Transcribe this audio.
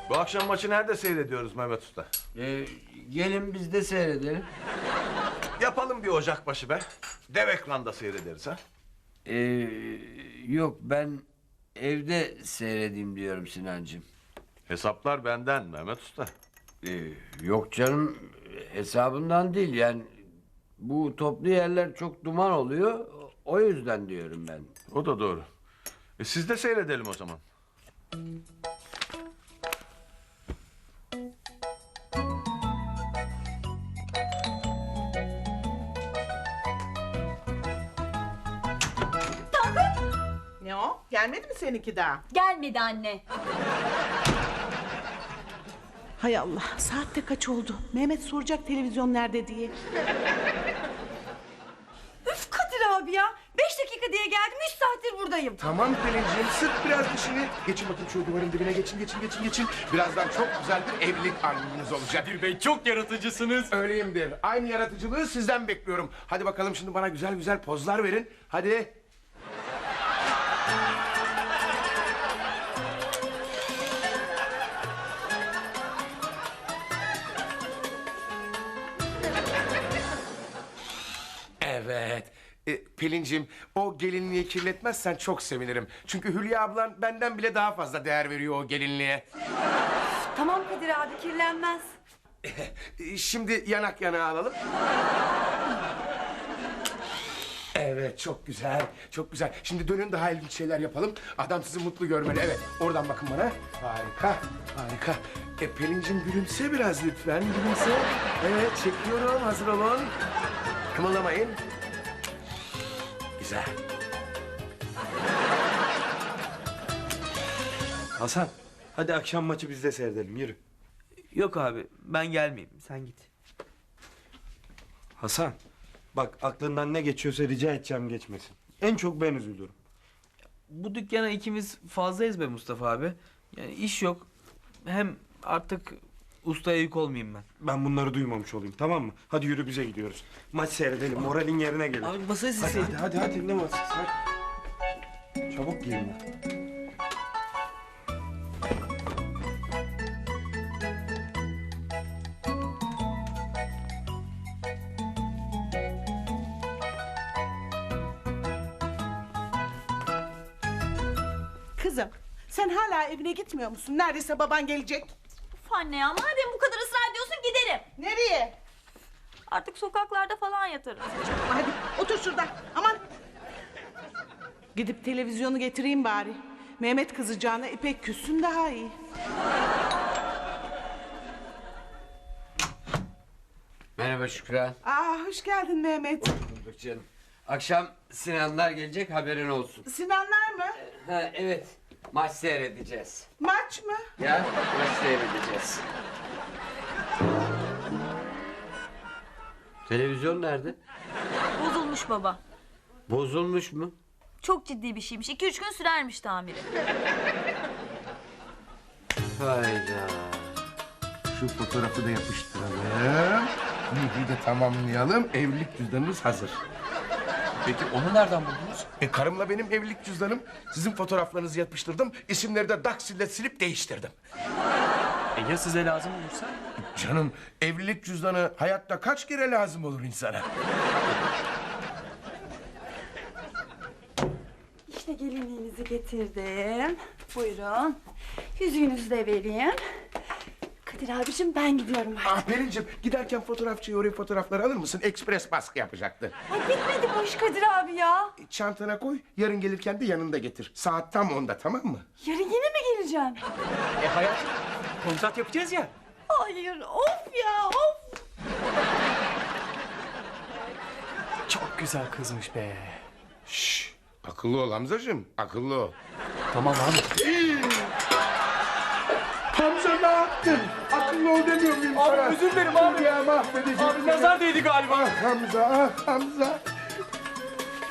Bu akşam maçı nerede seyrediyoruz Mehmet Usta? Gelin biz de seyredelim. Yapalım bir Ocakbaşı be. Dev ekranda seyrederiz ha. Yok ben evde seyredeyim diyorum Sinancığım. Hesaplar benden Mehmet Usta. Yok canım hesabından değil yani bu toplu yerler çok duman oluyor o yüzden diyorum ben. O da doğru. Siz de seyredelim o zaman. Ne o? Gelmedi mi seninki daha? Gelmedi anne. Hay Allah, saat de kaç oldu? Mehmet soracak televizyon nerede diye. Üf Kadir abi ya. 5 dakika diye geldim 3 saattir buradayım. Tamam Pelin'ciğim sık biraz dişini. Geçin bakayım şu duvarın dibine geçin. Birazdan çok güzel bir evlilik albümünüz olacak. Kadir Bey çok yaratıcısınız. Öyleyimdir. Aynı yaratıcılığı sizden bekliyorum. Hadi bakalım şimdi bana güzel güzel pozlar verin. Hadi. Evet. Pelin'cim o gelinliği kirletmezsen çok sevinirim. Çünkü Hülya ablan benden bile daha fazla değer veriyor o gelinliğe. Tamam Kadir abi kirlenmez. Şimdi yanak yana alalım. Evet çok güzel, çok güzel. Şimdi dönün daha ilginç şeyler yapalım. Adam sizi mutlu görmeli. Evet, oradan bakın bana. Harika, harika. Pelin'cim gülümse biraz lütfen, gülümse. Evet, çekiyorum, hazır olun. Kımıldamayın. Güzel. Hasan hadi akşam maçı bizde seyredelim yürü. Yok abi ben gelmeyeyim sen git. Hasan bak aklından ne geçiyorsa rica edeceğim geçmesin. En çok ben üzülürüm. Bu dükkana ikimiz fazlayız be Mustafa abi. Yani iş yok. Hem artık ustaya yük olmayayım ben. Ben bunları duymamış olayım tamam mı? Hadi yürü bize gidiyoruz. Maç seyredelim moralin yerine gelir. Abi masayı Hadi silseydin. hadi ne masası hadi. Çabuk giyin. Kızım, sen hala evine gitmiyor musun? Neredeyse baban gelecek. Uf anne ya madem bu kadar ısrar ediyorsun giderim. Nereye? Artık sokaklarda falan yatarım. Hadi otur şurada. Aman. Gidip televizyonu getireyim bari. Mehmet kızacağına İpek küssün daha iyi. Merhaba Şükran. Hoş geldin Mehmet. Bulduk canım. Akşam Sinanlar gelecek haberin olsun. Sinanlar mı? Ha evet maç seyredeceğiz. Maç mı? Ya maç seyredeceğiz. Televizyon nerede? Bozulmuş baba. Bozulmuş mu? Çok ciddi bir şeymiş. 2-3 gün sürermiş tamiri. Hayda. Şu fotoğrafı da yapıştıralım. Nihayet de tamamlayalım. Evlilik cüzdanımız hazır. Peki onu nereden buldunuz? Karımla benim evlilik cüzdanım. Sizin fotoğraflarınızı yapıştırdım. İsimleri de daksille silip değiştirdim. Ya size lazım olursa? Canım evlilik cüzdanı hayatta kaç kere lazım olur insana? İşte gelinliğinizi getirdim. Buyurun. Yüzüğünüzü de vereyim. Kadir abicim ben gidiyorum artık. Pelin'cim giderken fotoğrafçıya oraya fotoğrafları alır mısın? Ekspres baskı yapacaktı. Ay bitmedi bu iş Kadir abi ya. Çantana koy, yarın gelirken de yanında getir. Saat tam 10'da tamam mı? Yarın yine mi geleceğim? Hayat kontrat yapacağız ya. Hayır of ya of. Çok güzel kızmış be. Şşş, akıllı ol Hamzacığım, akıllı ol. Tamam abi. Hamza ne yaptın? Akıllı ol demiyor muyum sana? Abi özür dilerim abi. Ya mahvedeceğim. Abi nazar değdi galiba. Ah Hamza, ah Hamza.